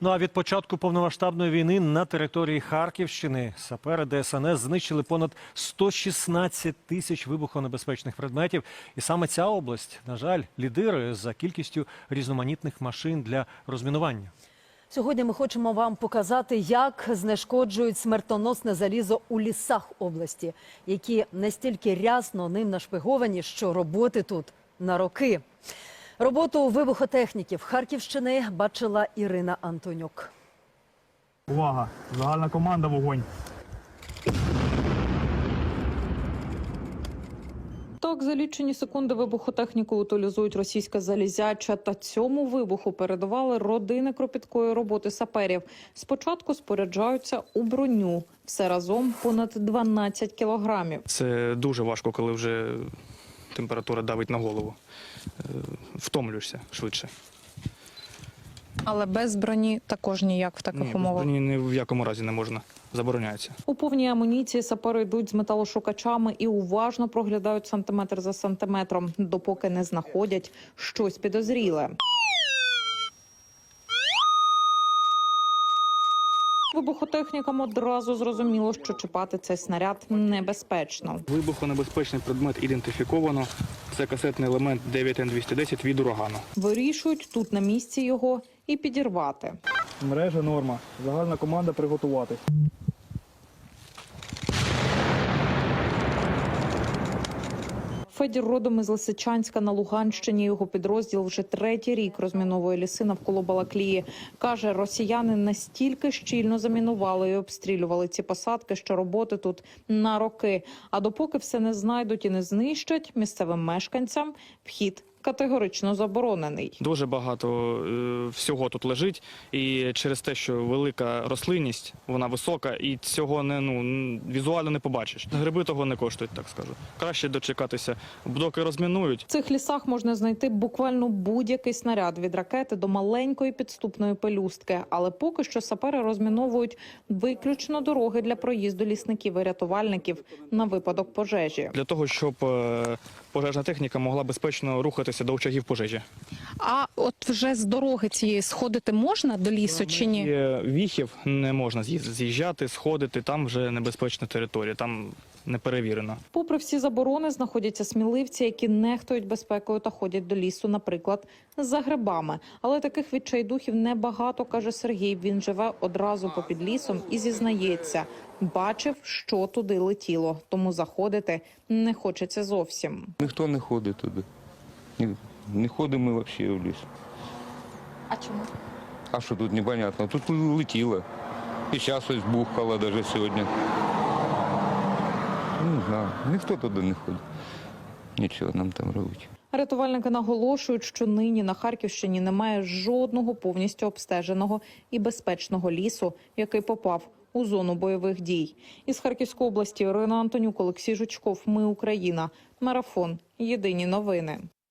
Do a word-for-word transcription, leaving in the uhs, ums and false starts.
Ну а від початку повномасштабної війни на території Харківщини сапери Де Ес Ен Ес знищили понад сто шістнадцять тисяч вибухонебезпечних предметів. І саме ця область, на жаль, лідирує за кількістю різноманітних машин для розмінування. Сьогодні ми хочемо вам показати, як знешкоджують смертоносне залізо у лісах області, які настільки рясно ним нашпиговані, що роботи тут на роки. Роботу вибухотехніків Харківщини бачила Ірина Антонюк. Увага! Загальна команда, вогонь! Так, за лічені секунди вибухотехніку утилізують російське залізяча. Та цьому вибуху передавали родини кропіткої роботи саперів. Спочатку споряджаються у броню. Все разом понад дванадцять кілограмів. Це дуже важко, коли вже температура давить на голову. Втомлюєшся швидше. Але без броні також ніяк в таких Ні, умовах? без броні ні в якому разі не можна. Забороняється. У повній амуніції сапери йдуть з металошукачами і уважно проглядають сантиметр за сантиметром, допоки не знаходять щось підозріле. Вибухотехнікам одразу зрозуміло, що чіпати цей снаряд небезпечно. Вибухонебезпечний предмет ідентифіковано. Це касетний елемент дев'ять ен двісті десять від урагану. Вирішують тут на місці його і підірвати. Мережа норма. Загальна команда приготуватись. Федір родом із Лисичанська на Луганщині. Його підрозділ вже третій рік розміновує ліси навколо Балаклії. Каже, росіяни настільки щільно замінували і обстрілювали ці посадки, що роботи тут на роки. А допоки все не знайдуть і не знищать, місцевим мешканцям вхід категорично заборонений. Дуже багато е, всього тут лежить. І через те, що велика рослинність, вона висока, і цього не, ну, візуально не побачиш. Гриби того не коштують, так скажу. Краще дочекатися, доки розмінують. В цих лісах можна знайти буквально будь-який снаряд від ракети до маленької підступної пелюстки. Але поки що сапери розміновують виключно дороги для проїзду лісників і рятувальників на випадок пожежі. Для того, щоб е, пожежна техніка могла безпечно рухатися до очагів пожежі. А от вже з дороги цієї сходити можна до лісу чи ні? Є віхів, не можна з'їжджати, сходити, там вже небезпечна територія, там не перевірено. Попри всі заборони, знаходяться сміливці, які нехтують безпекою та ходять до лісу, наприклад, за грибами. Але таких відчайдухів небагато, каже Сергій. Він живе одразу попід лісом і зізнається, бачив, що туди летіло, тому заходити не хочеться зовсім. Ніхто не ходить туди. Ні, не ходимо ми взагалі в ліс. А чому? А що тут непонятно? Тут летіло. І зараз ось бухало навіть сьогодні. Не знаю, ніхто туди не ходить. Нічого нам там робить. Рятувальники наголошують, що нині на Харківщині немає жодного повністю обстеженого і безпечного лісу, який попав у зону бойових дій. Із Харківської області Ірина Антонюк, Олексій Жучков. Ми Україна. Марафон. Єдині новини.